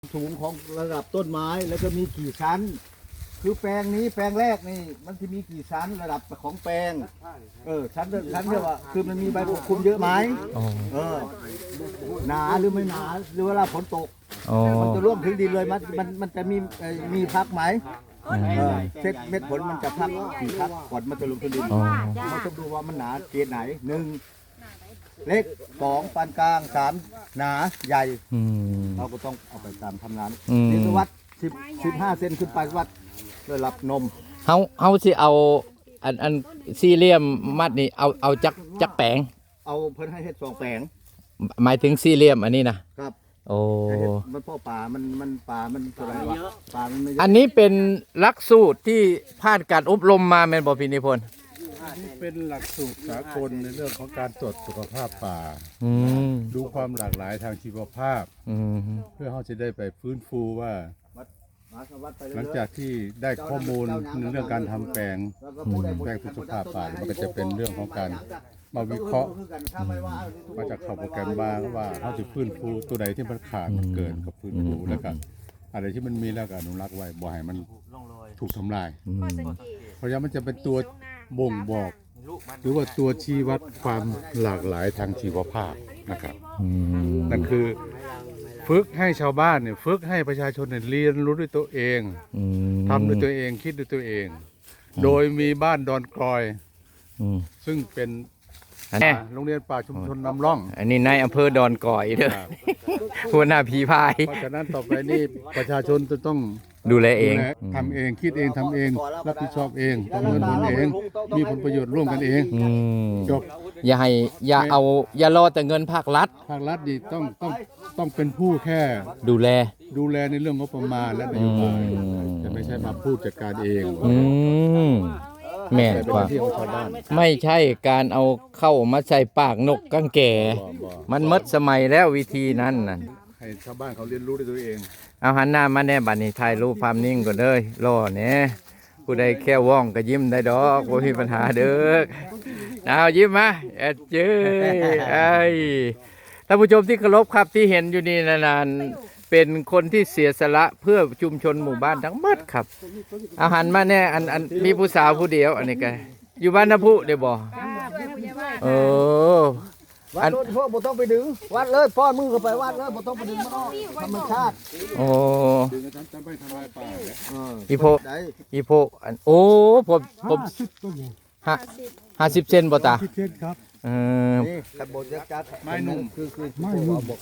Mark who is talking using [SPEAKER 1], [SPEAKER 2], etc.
[SPEAKER 1] สูงของระดับต้นไม้แล้วก็มีกี่ชั้น คือแปลงนี้แปลงแรกนี่มันจะมีกี่ชั้นระดับของแปลงชั้นเรียกว่าคือมันมีใบปกคลุมเยอะไหมหนาหรือไม่หนาหรือเวลาฝนตกมันจะร่วงถึงดินเลยมันจะมีพักไหมเช็ดเม็ดผลมันจะพักกี่พักก่อนมันจะลงถึงดินเราต้องดูว่ามันหนาเกณฑ์ไหน1เล็ก2ปานกลาง3หนาใหญ่เราก็ต้องเอาไปตามทำงานนี่วัด15 เซนขึ้นไปวัดระดับนม
[SPEAKER 2] เฮาสิเอาอันสี่เหลี่ยมมัดนี่เอาจักแปลง
[SPEAKER 1] เอาเพิ่นให้เฮ็ด2แปลง
[SPEAKER 2] หมายถึงสี่เหลี่ยมอันนี้นะครับโอ้
[SPEAKER 1] มันพ่อป่ามันป่ามันอะไรวะป่ามันไม่
[SPEAKER 2] อันนี้เป็นหลักสูตรที่ผ่านการอบรมมาแม่นบ่พี่นิพนธ์
[SPEAKER 3] เป็นหลักสูตรสากลในเรื่องของการตรวจสุขภาพป่าดูความหลากหลายทางชีวภาพเพื่อเขาจะได้ไปฟื้นฟูว่าหลังจากที่ได้ข้อมูลในเรื่องการทำแปลงสุขภาพป่ามันก็จะเป็นเรื่องของการมาวิเคราะห์มาจากข่าวโปรแกรมบ้างว่าเขาจะฟื้นฟูตัวใดที่มันขาดมันเกินกับฟื้นฟูแล้วกันอะไรที่มันมีแล้วก็อนุรักษ์ไว้บ่ให้มันถูกทำลายเพราะฉะนั้นมันจะเป็นตัวบ่งบอกหรือว่าตัวชี้วัดความหลากหลายทางชีวภาพนะครับนั่นคือฝึกให้ชาวบ้านเนี่ยฝึกให้ประชาชนเนี่ยเรียนรู้ด้วยตัวเองทำด้วยตัวเองคิดด้วยตัวเองโดยมีบ้านดอนกลอยซึ่งเป็นโรงเรียนป่าชุมชนนำร่อง
[SPEAKER 2] อันนี้ในอำเภอดอนก่อยเด้อหัวหน้าผีพาย
[SPEAKER 3] เพราะฉะนั้นต่อไปนี่ประชาชนจะต้อง
[SPEAKER 2] ดูแลเอง
[SPEAKER 3] ทำเองคิดเองทำเองรับผิดชอบเองประเมินผลเองมีผลประโยชน์ร่วมกันเองจบ
[SPEAKER 2] อย่ารอแต่เงินภาครัฐ
[SPEAKER 3] ดีต้องเป็นผู้แค่
[SPEAKER 2] ดูแล
[SPEAKER 3] ในเรื่องงบประมาณและนโยบายจะไม่ใช่มาพูดจัดการเอง
[SPEAKER 2] แม่นกว่าไม่ใช่การเอาเข้ามาใส่ปากนกกังแก่มันมดสมัยแล้ววิธีนั้นน่ะ
[SPEAKER 3] ให้ชาวบ้านเขาเรียนรู้ด้วยตัวเอง
[SPEAKER 2] เอาหันหน้ามาแน่บัดนี้ถ่ายรูปภาพนิ่งก่อนเด้อรอแหน่ผู้ใดแค่ว่องก็ยิ้มได้ดอกบ่มีปัญหาเด้อเอายิ้มมาเจ้ยท่านผู้ชมที่เคารพครับที่เห็นอยู่นี่นานๆเป็นคนที่เสียสละเพื่อชุมชนหมู่บ้านทั้งหมดครับอาหารมาแน่อันมีผู้สาวผู้เดียวอันนี้ก็อยู่บ้านน้ำพุเดี๋ยวบอก
[SPEAKER 1] วัดพ่อบ่ต้องไปดึงวัดเลยป้อนมือเข้าไปวัดเลยบ่ต้องไปดึงมันออกธรรมชาติ
[SPEAKER 3] ดึงกันจะไม่ทำลายป่า
[SPEAKER 2] อีโพอันผม50 เซนบ่ตา
[SPEAKER 3] 50 เซนครับ
[SPEAKER 1] นี่กระบอกยักษ์จัด
[SPEAKER 3] ไม้นุ่ม
[SPEAKER 1] คือไม้นุ่ม